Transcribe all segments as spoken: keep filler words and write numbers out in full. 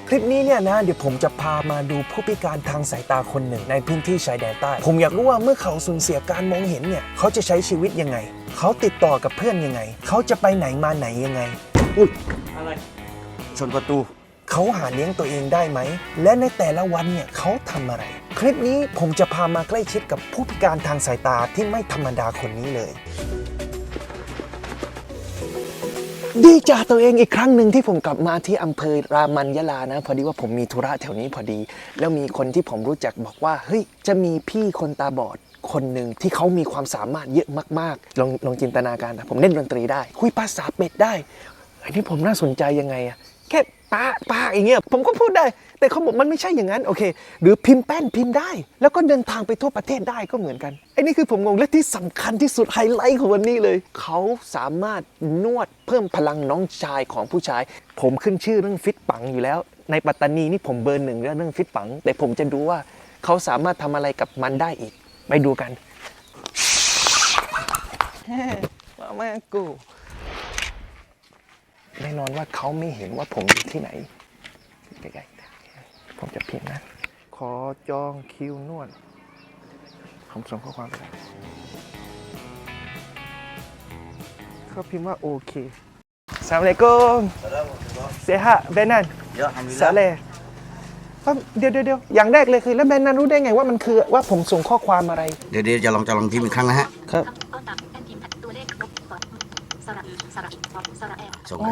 คลิปนี้เนี่ยนะเดี๋ยวผมจะพามาดูผู้พิการทางสายตาคนหนึ่งในพื้นที่ชายแดนใต้ผมอยากรู้ว่าเมื่อเขาสูญเสียการมองเห็นเนี่ยเขาจะใช้ชีวิตยังไงเขาติดต่อกับเพื่อนยังไงเขาจะไปไหนมาไหนยังไงอุ้ยอะไรชนประตูเขาหาเลี้ยงตัวเองได้ไหมและในแต่ละวันเนี่ยเขาทำอะไรคลิปนี้ผมจะพามาใกล้ชิดกับผู้พิการทางสายตาที่ไม่ธรรมดาคนนี้เลยดีจ่าตัวเองอีกครั้งหนึ่งที่ผมกลับมาที่อำเภอรามันยะลานะพอดีว่าผมมีธุระแถวนี้พอดีแล้วมีคนที่ผมรู้จักบอกว่าเฮ้ยจะมีพี่คนตาบอดคนหนึ่งที่เขามีความสามารถเยอะมากๆลองลองจินตนาการนะผมเล่นดนตรีได้คุยภาษาเป็ดได้อันนี้ผมน่าสนใจยังไงอะแค่ป้าป้าอย่างเงี้ยผมก็พูดได้แต่เขาบอกมันไม่ใช่อย่างนั้นโอเคหรือพิมพ์แป้นพิมพ์ได้แล้วก็เดินทางไปทั่วประเทศได้ก็เหมือนกันไอ้นี่คือผมงงและที่สำคัญที่สุดไฮไลท์ของวันนี้เลยเขาสามารถนวดเพิ่มพลังน้องชายของผู้ชายผมขึ้นชื่อเรื่องฟิตปังอยู่แล้วในปัตตานีนี่ผมเบอร์หนึ่งเรื่องฟิตปังแต่ผมจะดูว่าเขาสามารถทำอะไรกับมันได้อีกไปดูกันมาแม่กูแน่นอนว่าเขาไม่เห็นว่าผมอยู่ที่ไหนใกล้ๆผมจะพิมพ์นะขอจองคิวนวดผมส่งข้อความไปเขาพิมพ์ว่าโอเคสวัสดีครับเซฮะเบนันสาเลเดี๋ยวเดี๋ยวเดี๋ยวอย่างแรกเลยคือแล้วเบนันรู้ได้ไงว่ามันคือว่าผมส่งข้อความอะไรเดี๋ยวเดี๋ยวจะลองจะลองพิมพ์อีกครั้งนะฮะครับส่งอ๋อ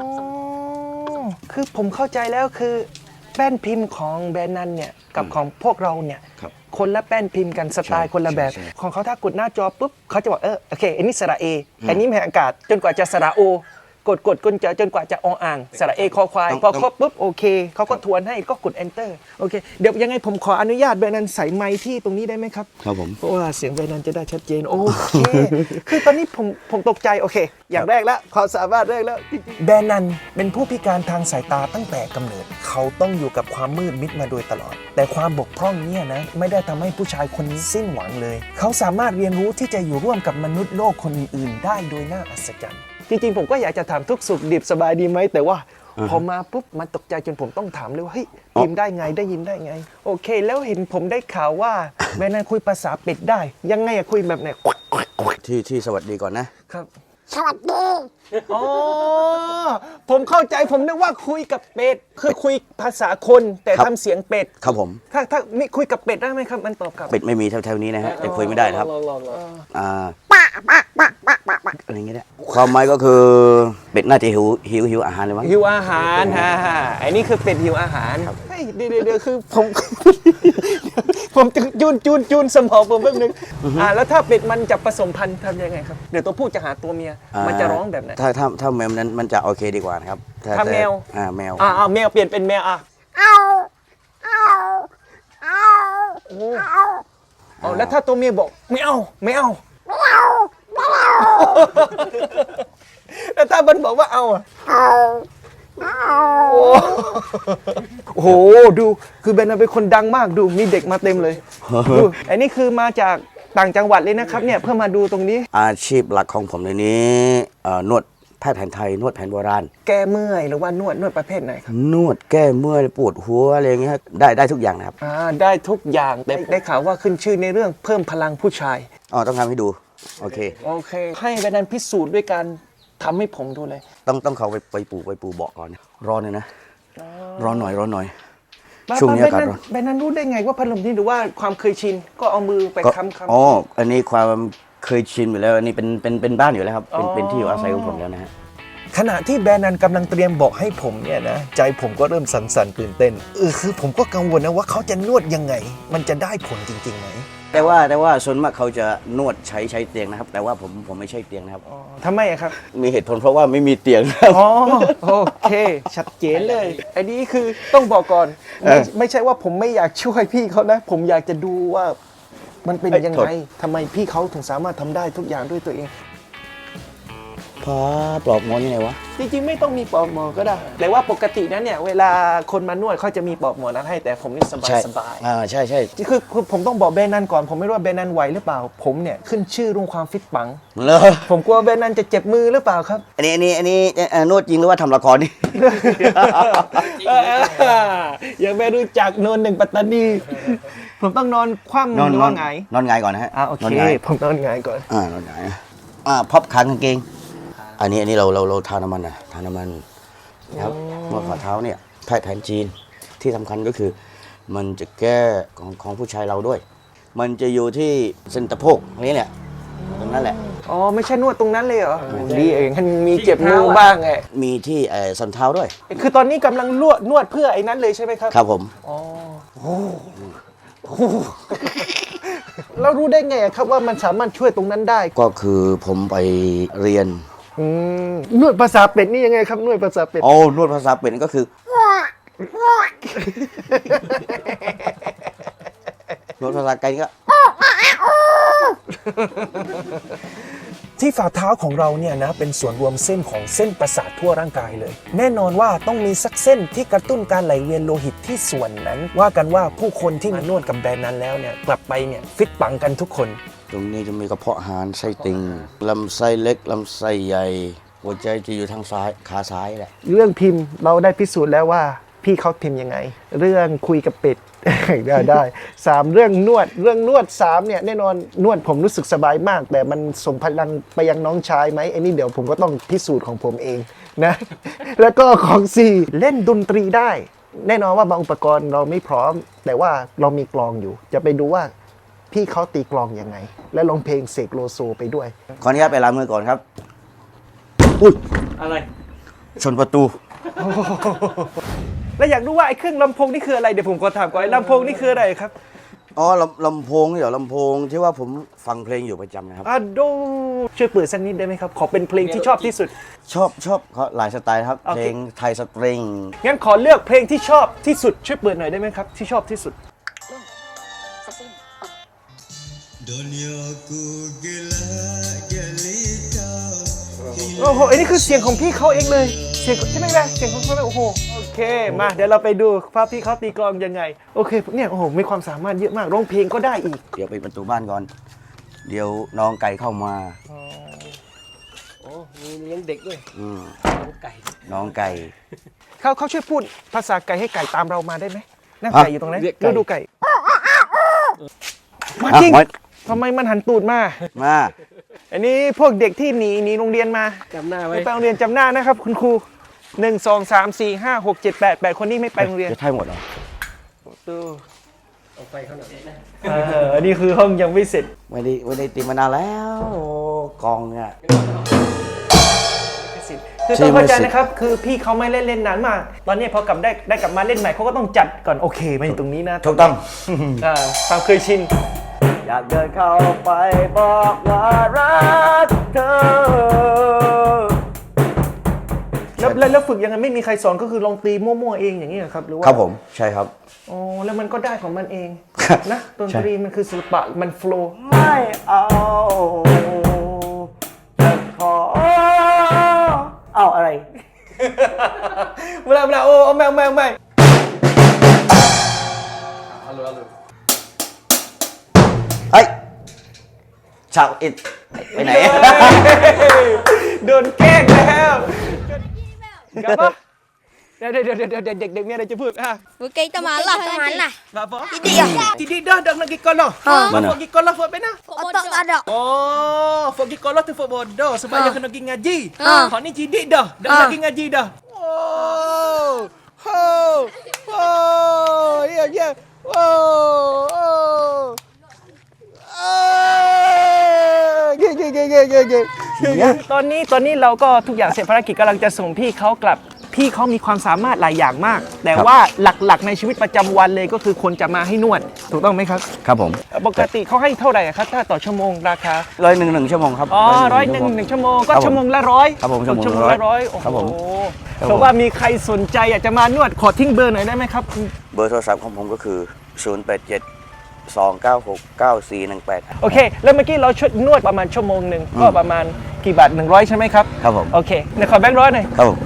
คือผมเข้าใจแล้วคือแป้นพิมพ์ของแบรนด์นั้นเนี่ยกับของพวกเราเนี่ยคนละแป้นพิมพ์กันสไตล์คนละแบบของเขาถ้ากดหน้าจอปุ๊บเขาจะบอกเออโอเคอันนี้สระเออันนี้แผ่อากาศจนกว่าจะสระโอกดกดกดจะจนกว่าจะออ่างสระเอคอควายพอครบปุ๊บโอเคเขาก็ทวนให้ก็กด enter โอเคเดี๋ยวยังไงผมขออนุญาตแบรนด์นั้นใส่ไมค์ที่ตรงนี้ได้ไหมครับครับผมเพราะว่าเสียงแบรนด์นั้นจะได้ชัดเจนโอเคคือตอนนี้ผมผมตกใจโอเคอย่างแรกแล้วความสามารถแรกแล้วแบรนด์นั้นเป็นผู้พิการทางสายตาตั้งแต่กำเนิดเขาต้องอยู่กับความมืดมิดมาโดยตลอดแต่ความบกพร่องเนี่ยนะไม่ได้ทำให้ผู้ชายคนนี้สิ้นหวังเลยเขาสามารถเรียนรู้ที่จะอยู่ร่วมกับมนุษย์โลกคนอื่นๆได้โดยน่าอัศจรรย์จริงๆผมก็อยากจะถามทุกสุขดิบสบายดีไหมแต่ว่าพอมาปุ๊บมันตกใจจนผมต้องถามเลยว่าเฮ้ยพิมพ์ได้ไงได้ยินได้ไงโอเคแล้วเห็นผมได้ข่าวว่าแม่นายคุยภาษาเป็ดได้ยังไงอะคุยแบบไหนที่ที่สวัสดีก่อนนะครับสวัสดีอ๋อผมเข้าใจผมนึกว่าคุยกับเป็ดคือคุยภาษาคนแต่ทำเสียงเป็ดครับผมถ้าถ้าไม่คุยกับเป็ดได้ไหมครับมันตอบกลับเป็ดไม่มีแถวๆนี้นะฮะจะคุยไม่ได้ครับอ่าป้าป้าป้าป้าป้าป้าอะไรเงี้ยความหมายก็คือเป็ดน่าจะหิวหิวหิวอาหารเลยมั้งหิวอาหารฮ่าฮ่าไอ้นี่คือเป็ดหิวอาหารเฮ้ยเดี๋ยวเดี๋ยวคือผมผมจะจูนจูนจูนสมองผมแป๊บนึงอ่าแล้วถ้าเป็ดมันจะผสมพันธุ์ทำยังไงครับเดี๋ยวตัวผู้จะหาตัวเมียมันจะร้องแบบไหนถ้าถ้าถ้าแมวนั้นมันจะโอเคดีกว่านะครับถ้าแมวอ่าแมวอ่าแมวเปลี่ยนเป็นแมวอ่ะเอาเอาเอาเอาอ๋อแล้วถ้าตัวเมียบอกไม่เอาไม่เอาไม่เอาไม่เอาแล้วถ้ามันบอกว่าเอาอ่ะเอาเอาโอ้โหดูคือเบนเป็นคนดังมากดูมีเด็กมาเต็มเลยดูไอ้นี่คือมาจากต่างจังหวัดเลยนะครับเนี่ยเพื่อมาดูตรงนี้อาชีพหลักของผมในนี้นวดแพทย์แผนไทยนวดแผนโบราณแก้เมื่อยหรือว่านวดนวดประเภทไหนครับนวดแก้เมื่อยปวดหัวอะไรอย่างเงี้ยได้ได้ทุกอย่างนะครับอ่าได้ทุกอย่างแต่ได้ข่าวว่าขึ้นชื่อในเรื่องเพิ่มพลังผู้ชายอ๋อต้องทำให้ดูโอเคโอเคให้เบนพิสูจน์ด้วยการทำให้ผมดูเลยต้องต้องเขาไปไปปูไปปูเบาะก่อนร้อนเลยนะร้อนหน่อยร้อนหน่อยช่วงนี้อากาศร้อนเบนนั้นรู้ได้ไงว่าพัดลมนี่หรือว่าความเคยชินก็เอามือไปค้ำค้ำอ๋ออันนี้ความเคยชินอยู่แล้วอันนี้เป็นเป็นเป็นบ้านอยู่แล้วครับเป็นเป็นที่อยู่อาศัยของผมแล้วนะฮะขณะที่แบรนด์นั้นกำลังเตรียมบอกให้ผมเนี่ยนะใจผมก็เริ่มสั่นๆตื่นเต้นเออคือผมก็กังวลนะว่าเขาจะนวดยังไงมันจะได้ผลจริงๆไหมแต่ว่าแต่ว่าส่วนมากเขาจะนวดใช้ใช้เตียงนะครับแต่ว่าผมผมไม่ใช่เตียงนะครับทำไมครับมีเหตุผลเพราะว่าไม่มีเตียงครับอ๋อโอเคชัดเจนเลยอันนี้คือต้องบอกก่อนไม่ไม่ใช่ว่าผมไม่อยากช่วยพี่เขานะผมอยากจะดูว่ามันเป็นยังไงทำไมพี่เขาถึงสามารถทำได้ทุกอย่างด้วยตัวเองพาปลอบงอนยังไงวะจริงๆไม่ต้องมีปลอกหมอนก็ได้ แต่ว่าปกตินั้นเนี่ยเวลาคนมานวดเขาจะมีปลอกหมอนนั้นให้แต่ผมนี่สบายใช่สบายอ่าใช่ใช่คือคือผมต้องบอกแบรนด์นั้นก่อนผมไม่รู้ว่าแบรนด์นั้นไหวหรือเปล่า ผมเนี่ยขึ้นชื่อเรื่องความฟิตปังเลยผมกลัวแบรนด์นั้นจะเจ็บมือหรือเปล่าครับอันนี้อันนี้อันนี้เอ่อนวดจริงหรือว่าทำละครนี่ยังไม่รู้จักโนนหนึ่งปัตตานี ผมต้องนอนคว่ำนอนหรือนอว่าน ไงนอนหงายก่อนนะฮะอ่าโอเคนนหงายผมนอนหงายก่อนอ่านอนหงายอ่าพับขากางเกง อันนี้อันนี้เราเราเราทาน้ำมันนะทาน้ำมันนะครับนวดฝ่าเท้าเนี่ยแพทย์แผนจีนที่สำคัญก็คือ มันจะแก้ของของผู้ชายเราด้วย มันจะอยู่ที่เส้นตะโพกนี่แหละตรงนั้นแหละอ๋อไม่ใช่นวดตรงนั้นเลยเหรอดีเองมันมีเจ็บมือบ้างไงมีที่เอ่อส้นเท้าด้วยคือตอนนี้กำลังนวดนวดเพื่อไอ้นั้นเลยใช่ไหมครับครับผมอ๋อโอ้โหแล้วรู้ได้ไงอะครับว่ามันสามารถช่วยตรงนั้นได้ก็คือผมไปเรียนอืมนวดภาษาเป็ดนี่ยังไงครับนวดภาษาเป็ดโอ้นวดภาษาเป็นก็คือ นวดภาษาไกลก็ที่ฝ่าเท้าของเราเนี่ยนะเป็นส่วนรวมเส้นของเส้นประสาททั่วร่างกายเลย แน่นอนว่าต้องมีสักเส้นที่กระตุ้นการไหลเวียนโลหิตที่ส่วนนั้น ว่ากันว่าผู้คนที่มานวดกับแบรนด์นั้นแล้วเนี่ยกลับไปเนี่ยฟิตปังกันทุกคนตรงนี้จะมีกระเพาะอาหารไส้ติ่งลำไส้เล็กลำไส้ใหญ่ หัวใจจะอยู่ทางซ้ายขาซ้ายแหละเรื่องพิมพ์เราได้พิสูจน์แล้วว่าพี่เขาพิมพ์ยังไง เรื่องคุยกับเป็ด ได้ได้สามเรื่องนวดเรื่องนวดสามเนี่ยแน่นอนนวดผมรู้สึกสบายมาก แต่มันส่งพลังไปยังน้องชายไหมไอ้นี่เดี๋ยวผมก็ต้องพิสูจน์ของผมเองนะ แล้วก็ของสี่เล่นดนตรีได้ แน่นอนว่าบางอุปกรณ์เราไม่พร้อม แต่ว่าเรามีกลองอยู่ จะไปดูว่าพี่เขาตีกลองยังไง และร้องเพลงเสกโลโซไปด้วยขออนุญาตไปล้างมือก่อนครับ อุ้ยอะไรชนประตูแล้วอยากรู้ว่าไอ้เครื่องลำโพงนี่คืออะไรเดี๋ยวผมขอถามก่อนไอ้ลำโพงนี่คืออะไรครับอ๋อลำลำโพงนี่เหรอลำโพงที่ว่าผมฟังเพลงอยู่ประจำนะครับอ่ะดูช่วยเปิดสักนิดได้ไหมครับ ขอเป็นเพลงที่ชอบที่สุดชอบชอบเขาหลายสไตล์ครับโอเคเพลงไทยสตริงงั้นขอเลือกเพลงที่ชอบที่สุดช่วยเปิดหน่อยได้ไหมครับที่ชอบที่สุด โอ้โหอันนี้คือเสียงของพี่เขาเองเลย เสียงใช่ไหมล่ะเสียงของเขาเลยโอ้โห โอเค มาเดี๋ยวเราไปดูว่าพี่เขาตีกลองยังไง โอเค เนี่ยโอ้โห มีความสามารถเยอะมาก ร้องเพลงก็ได้อีกเดี๋ยวไปดประตูบ้านก่อน เดี๋ยวน้องไก่เข้ามาโอ้มีเลี้ยงเด็กด้วยอืมไก่น้องไก่เขาเขาช่วยพูดภาษาไก่ให้ไก่ตามเรามาได้ไหมนั่งอ่ะไก่อยู่ตรงนั้นเรียกไก่ดูดูไก่มาอ่ะจริงมาทำไมมันหันตูดมามาอันนี้พวกเด็กที่หนีหนีโรงเรียนมาจำหน้าไว้ไม่ไปโรงเรียนจำหน้านะครับ คุณครูหนึ่งสองสามสี่ห้าหกเจ็ดแปดแปดคนนี้ไม่ไปโรงเรียนจะใช่หมดเหรอดูเอาไฟเข้าหน่อยเอออันนี้คือห้องยังไม่เสร็จไม่ได้ไม่ได้ตีมานานแล้วโอ้กองเนี่ยคือต้องเข้าใจนะครับ คือพี่เขาไม่เล่นเล่นนานมาก ตอนนี้พอกลับได้ได้กลับมาเล่นใหม่เขาก็ต้องจัดก่อนโอเคมาอยู่ตรงนี้นะถูกต้องอ่าความเคยชินอยากเดินเข้าไปบอกว่ารักเธอแล้วแล้วแล้วฝึกยังไงไม่มีใครสอนก็คือลองตีมั่วๆเองอย่างนี้เหรอครับหรือว่าครับผมใช่ครับอ๋อแล้วมันก็ได้ของมันเองครับนะดนตรีมันคือศิลปะมันโฟล์ไม่เอาจะขอเอาอะไรเวลาเวลาโอ้เอาแมวแมวแมวเฮ้ยชาวอิดไปไหนโดนแกล้งแล้วกลับมาเดี๋ยวเดี๋ยวเดี๋ยวเดี๋ยวเด็กเด็กมีอะไรจะพูดอ่ะ Bukan kita malah Teman lah. Apa? Tidik ya? Tidik dah dah nak pergi kolah. Mana? Pergi kolah buat apa nak? Otak tak ada. Oh, pergi kolah tu buat bodoh sebab Ha. dia kena pergi ngaji. Ha. Hak ni tidik dah. Dah Ha. nak pergi ngaji dah. Oh. Oh. Oh. Ya ya. Oh. Oh. Ah. เย่เย่เย่เย่เย่เย่เย่ตอนนี้ตอนนี้เราก็ทุกอย่างเสร็จภารกิจกำลังจะส่งพี่เขากลับ พี่เขามีความสามารถหลายอย่างมาก แต่ว่าหลักๆในชีวิตประจำวันเลยก็คือคนจะมาให้นวด ถูกต้องไหมครับครับผมปกติเขาให้เท่าไหร่ครับถ้าต่อชั่วโมงราคาร้อยหนึ่งหนึ่งชั่วโมงครับอ๋อร้อยหนึ่งหนึ่งชั่วโมงก็ครับผมชั่วโมงละร้อยครับผมชั่วโมงชั่วโมงละละร้ร้ออย ยโอ้ครับโหผม ครับผมเพราะว่ามีใครสนใจอยากจะมานวดขอทิ้งเบอร์หน่อยได้ไหมครับเบอร์โทรศัพท์ของผมก็คือ ศูนย์ แปด เจ็ดสองเก้าหกเก้าสี่หนึ่งแปดโอเค แล้วเมื่อกี้เราช่วยนวดประมาณชั่วโมงหนึ่งก็ประมาณกี่บาทหนึ่งร้อยใช่ไหมครับครับผมโอเคเดี๋ยวขอแบงค์ร้อยหน่อยครับผม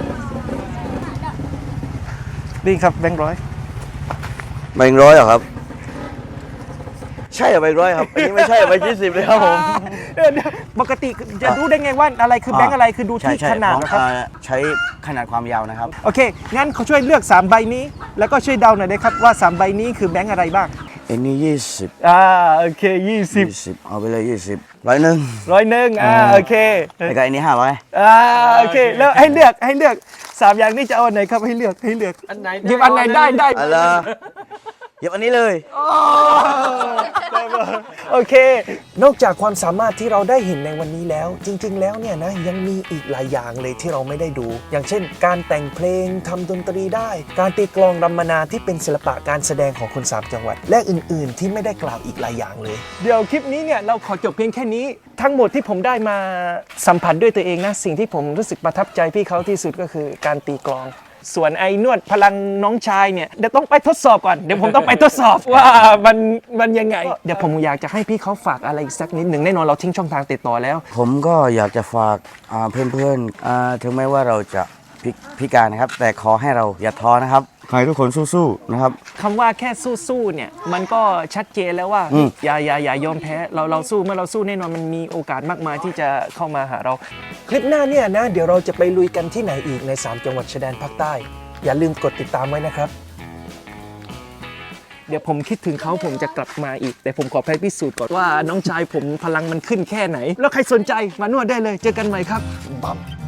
นี่ครับแบงค์ร้อยใบร้อยเหรอครับ ใช่เหรอใบร้อยครับอันนี้ไม่ใช่ใบยี่สิบเลยครับผมเดี๋ยวเดี๋ยวปกติจะรู้ได้ไงว่าอะไรคือแบงค์อะไรคือดูใช่ที่ใช่ขนาดของนะครับอ่าใช้ขนาดความยาวนะครับโอเค งั้นเขาช่วยเลือกสามใบนี้ แล้วก็ช่วยเดาหน่อยได้ครับว่าสามใบนี้คือแบงค์อะไรบ้างอันนี้ยี่สิบอ่าโอเคยี่สิบยี่สิบเอาไปเลยยี่สิบร้อยหนึ่งร้อยหนึ่งอ่าโอเคแล้วก็อันนี้ห้าร้อยอ่าโอเคแล้วให้เลือกให้เลือกสามอย่างนี้จะเอาอันไหนครับให้เลือกให้เลือกอันไหนหยิบอันไหนได้ได้อะไรหยิบอันนี้เลยโอเค นอกจากความสามารถที่เราได้เห็นในวันนี้แล้ว จริง ๆ แล้วเนี่ยนะยังมีอีกหลายอย่างเลยที่เราไม่ได้ดู อย่างเช่น การแต่งเพลงทำดนตรีได้ การตีกลองรำมนาที่เป็นศิลปะการแสดงของคนสามจังหวัด และอื่น ๆ ที่ไม่ได้กล่าวอีกหลายอย่างเลย เดี๋ยวคลิปนี้เนี่ยเราขอจบเพียงแค่นี้ ทั้งหมดที่ผมได้มาสัมผัสด้วยตัวเองนะสิ่งที่ผมรู้สึกประทับใจพี่เขาที่สุดก็คือการตีกลอง ส่วนไอ้นวดพลังน้องชายเนี่ยเดี๋ยวต้องไปทดสอบก่อนเดี๋ยวผมต้องไปทดสอบว่ามันมันยังไง เดี๋ยวผมอยากจะให้พี่เขาฝากอะไรอีกสักนิดหนึ่งแน่นอนเราทิ้งช่องทางติดต่อแล้วผมก็อยากจะฝากอ่าเพื่อนๆอ่าถึงแม้ว่าเราจะพิพิการนะครับ แต่ขอให้เราอย่าท้อนะครับขอให้ทุกคนสู้ๆนะครับคำว่าแค่สู้ๆเนี่ยมันก็ชัดเจนแล้วว่าอืมอย่าอย่าอย่ายอมแพ้เราเราสู้เมื่อเราสู้แน่นอนมันมีโอกาสมากมายที่จะเข้ามาหาเรา คลิปหน้าเนี่ยนะเดี๋ยวเราจะไปลุยกันที่ไหนอีกในสามจังหวัดชายแดนภาคใต้ อย่าลืมกดติดตามไว้นะครับ เดี๋ยวผมคิดถึงเขาผมจะกลับมาอีก แต่ผมขอไปพิสูจน์ก่อนว่าน้องชายผมพลังมันขึ้นแค่ไหน แล้วใครสนใจมานวดได้เลยเจอกันใหม่ครับบัม